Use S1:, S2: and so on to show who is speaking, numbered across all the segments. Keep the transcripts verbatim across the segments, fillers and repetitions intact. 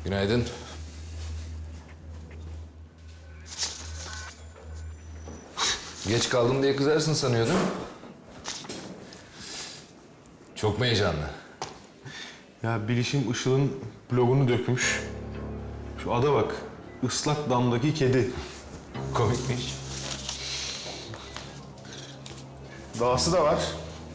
S1: Günaydın. Geç kaldım diye kızarsın sanıyordum. Çok mu heyecanlı?
S2: Ya Bilişim Işıl'ın blogunu dökmüş. Şu ada bak. Islak damdaki kedi. Komikmiş. Dahası da var.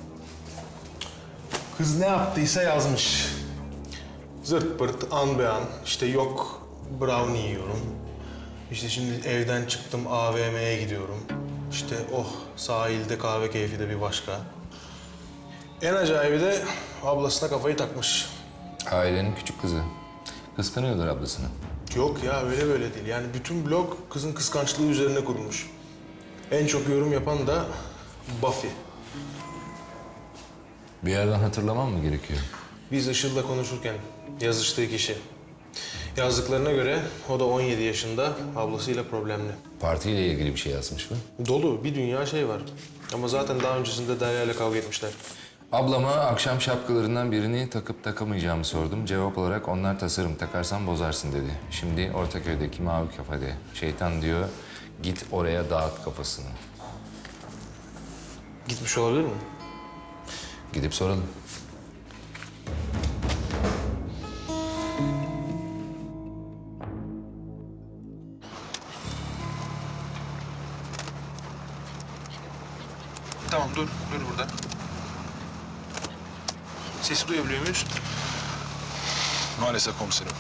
S2: Kız ne yaptıysa yazmış. Zırt pırt an be an. İşte yok brownie yiyorum. İşte şimdi evden çıktım A V M'ye gidiyorum. İşte oh sahilde kahve keyfi de bir başka. En acayibi de ablasına kafayı takmış.
S1: Ailenin küçük kızı. Kıskanıyordur ablasını.
S2: Yok ya öyle böyle değil. Yani bütün blog kızın kıskançlığı üzerine kurulmuş. En çok yorum yapan da Buffy.
S1: Bir yerden hatırlamam mı gerekiyor?
S2: Biz Işıl'la konuşurken yazıştığı kişi. Yazdıklarına göre o da on yedi yaşında, ablasıyla problemli.
S1: Partiyle ilgili bir şey yazmış mı?
S2: Dolu bir dünya şey var. Ama zaten daha öncesinde Derya ile kavga etmişler.
S1: Ablama akşam şapkalarından birini takıp takamayacağımı sordum. Cevap olarak onlar tasarım, takarsan bozarsın dedi. Şimdi Ortaköy'deki Mavi Kafede. Şeytan diyor, git oraya dağıt kafasını.
S2: Gitmiş olabilir mi?
S1: Gidip soralım.
S2: Tamam dur, dur burada. Sesi duyabiliyor muyuz?
S3: Maalesef komiserim.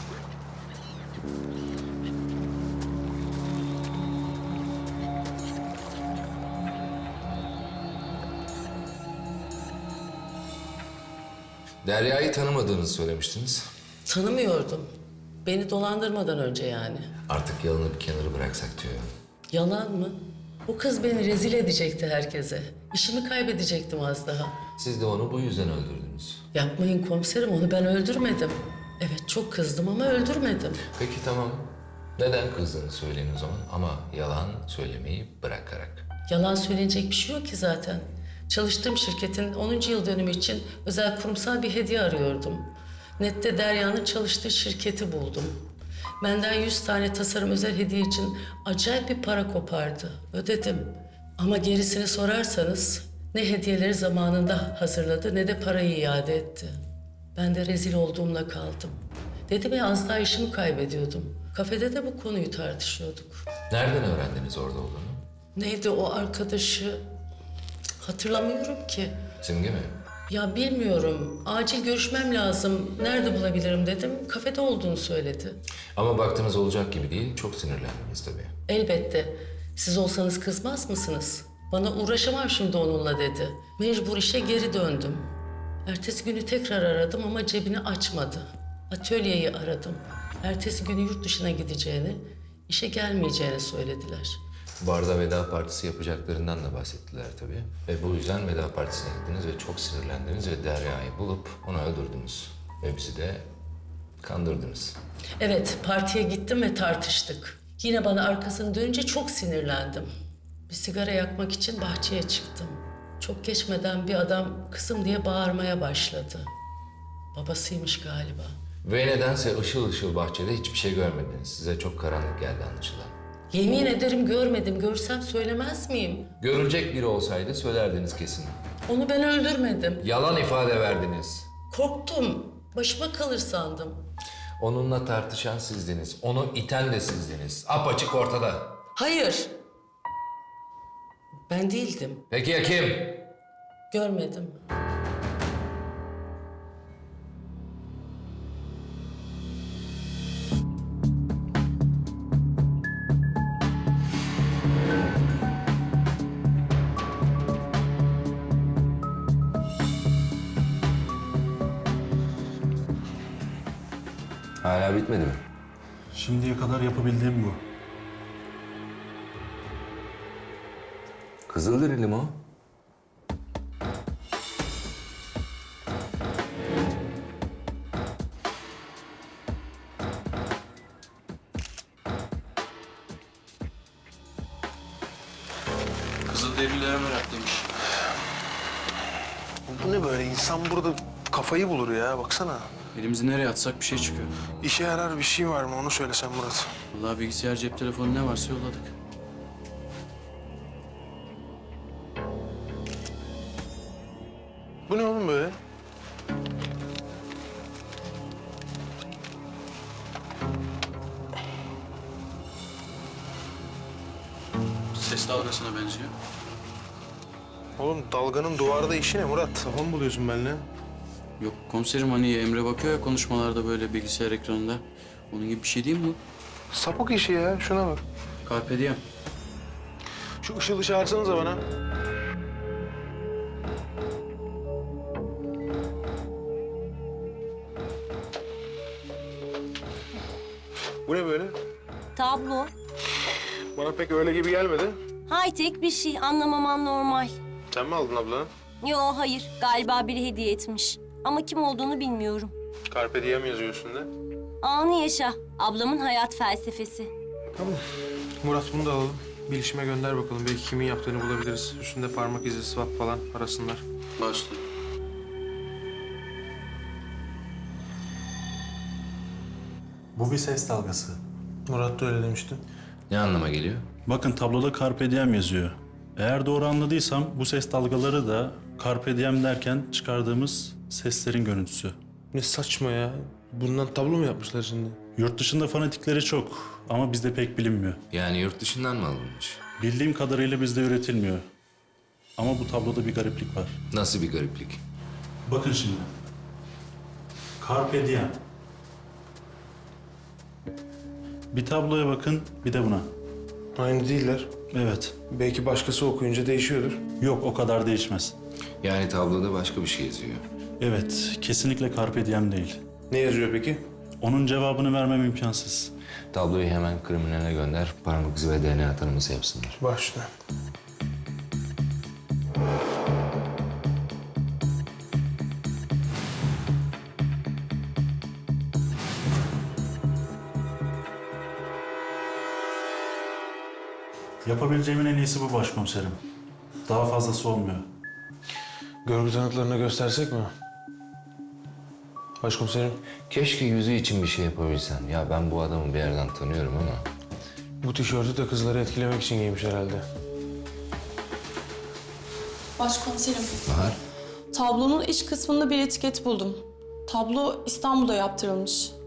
S1: Derya'yı tanımadığınızı söylemiştiniz.
S4: Tanımıyordum. Beni dolandırmadan önce yani.
S1: Artık yalanı bir kenara bıraksak diyor.
S4: Yalan mı? O kız beni rezil edecekti herkese. İşimi kaybedecektim az daha.
S1: Siz de onu bu yüzden öldürdünüz.
S4: Yapmayın komiserim, onu ben öldürmedim. Evet çok kızdım ama öldürmedim.
S1: Peki tamam. Neden kızdığını söyleyin o zaman ama yalan söylemeyi bırakarak.
S4: Yalan söylenecek bir şey yok ki zaten. Çalıştığım şirketin onuncu yıl dönümü için özel kurumsal bir hediye arıyordum. Nette Derya'nın çalıştığı şirketi buldum. Benden yüz tane tasarım özel hediye için acayip bir para kopardı. Ödedim. Ama gerisini sorarsanız ne hediyeleri zamanında hazırladı ne de parayı iade etti. Ben de rezil olduğumla kaldım. Dedim ya az daha işimi kaybediyordum. Kafede de bu konuyu tartışıyorduk.
S1: Nereden öğrendiniz orada olduğunu?
S4: Neydi o arkadaşı? Hatırlamıyorum ki.
S1: Simge mi?
S4: Ya bilmiyorum. Acil görüşmem lazım. Nerede bulabilirim dedim. Kafede olduğunu söyledi.
S1: Ama baktınız olacak gibi değil, çok sinirlendiniz tabii.
S4: Elbette. Siz olsanız kızmaz mısınız? Bana uğraşamam şimdi onunla dedi. Mecbur işe geri döndüm. Ertesi günü tekrar aradım ama cebini açmadı. Atölyeyi aradım. Ertesi günü yurt dışına gideceğini, işe gelmeyeceğini söylediler.
S1: Barda veda partisi yapacaklarından da bahsettiler tabii. Ve bu yüzden veda partisine gittiniz ve çok sinirlendiniz ve Derya'yı bulup onu öldürdünüz. Ve bizi de kandırdınız.
S4: Evet, partiye gittim ve tartıştık. Yine bana arkasını dönünce çok sinirlendim. Bir sigara yakmak için bahçeye çıktım. Çok geçmeden bir adam kızım diye bağırmaya başladı. Babasıymış galiba.
S1: Ve nedense ışıl ışıl bahçede hiçbir şey görmediniz. Size çok karanlık geldi anlaşılan.
S4: Yemin ederim görmedim. Görsem söylemez miyim?
S1: Görülecek biri olsaydı söylerdiniz kesin.
S4: Onu ben öldürmedim.
S1: Yalan ifade verdiniz.
S4: Korktum. Başıma kalır sandım.
S1: Onunla tartışan sizdiniz. Onu iten de sizdiniz. Apaçık ortada.
S4: Hayır. Ben değildim.
S1: Peki ya kim?
S4: Görmedim.
S1: Hala bitmedi mi?
S2: Şimdiye kadar yapabildiğim bu.
S1: Kızılderili mi o?
S3: Kızılderililere meraklıymış.
S2: Bu ne böyle? İnsan burada kafayı bulur ya. Baksana.
S3: Elimizi nereye atsak bir şey çıkıyor.
S2: İşe yarar bir şey var mı onu söylesen Murat.
S3: Vallahi bilgisayar, cep telefonu ne varsa yolladık.
S2: Bu ne oğlum böyle?
S3: Ses dalgasına benziyor.
S2: Oğlum dalganın duvarda işi ne Murat? Kafa mı buluyorsun benimle?
S3: Yok komiserim, hani Emre bakıyor ya konuşmalarda böyle bilgisayar ekranında. Onun gibi bir şey değil mi bu?
S2: Sapık işi ya, şuna bak.
S3: Carpe diem.
S2: Şu Işıl'ı çağırsanıza bana. Bu ne böyle?
S5: Tablo.
S2: Bana pek öyle gibi gelmedi.
S5: High-tech bir şey. Anlamaman normal.
S2: Sen mi aldın abla?
S5: Yo hayır. Galiba biri hediye etmiş. Ama kim olduğunu bilmiyorum.
S2: Carpe diem yazıyor üstünde.
S5: Anı yaşa. Ablamın hayat felsefesi.
S2: Tamam. Murat bunu da alalım. Bilişime gönder bakalım. Belki kimin yaptığını bulabiliriz. Üstünde parmak izi, swap falan arasınlar.
S3: Başla.
S6: Bu bir ses dalgası.
S2: Murat da öyle demişti.
S1: Ne anlama geliyor?
S6: Bakın tabloda Carpe Diem yazıyor. Eğer doğru anladıysam bu ses dalgaları da Carpe Diem derken çıkardığımız seslerin görüntüsü.
S2: Ne saçma ya. Bundan tablo mu yapmışlar şimdi?
S6: Yurt dışında fanatikleri çok ama bizde pek bilinmiyor.
S1: Yani yurt dışından mı alınmış?
S6: Bildiğim kadarıyla bizde üretilmiyor. Ama bu tabloda bir gariplik var.
S1: Nasıl bir gariplik?
S6: Bakın şimdi. Carpe Diem. Bir tabloya bakın, bir de buna.
S2: Aynı değiller.
S6: Evet.
S2: Belki başkası okuyunca değişiyordur.
S6: Yok, o kadar değişmez.
S1: Yani tabloda başka bir şey yazıyor.
S6: Evet, kesinlikle Carpe Diem değil.
S2: Ne yazıyor peki?
S6: Onun cevabını vermem imkansız.
S1: Tabloyu hemen kriminale gönder, parmak izi ve D N A tanıması yapsınlar.
S2: Başla.
S6: Yapabileceğimin en iyisi bu başkomiserim. Daha fazlası olmuyor.
S2: Görgü tanıklarına göstersek mi? Başkomiserim,
S1: Keşke yüzü için bir şey yapabilsen. Ya ben bu adamı bir yerden tanıyorum ama...
S2: bu tişörtü de kızları etkilemek için giymiş herhalde.
S7: Başkomiserim,
S1: Bahar,
S7: tablonun iç kısmında bir etiket buldum. Tablo İstanbul'da yaptırılmış.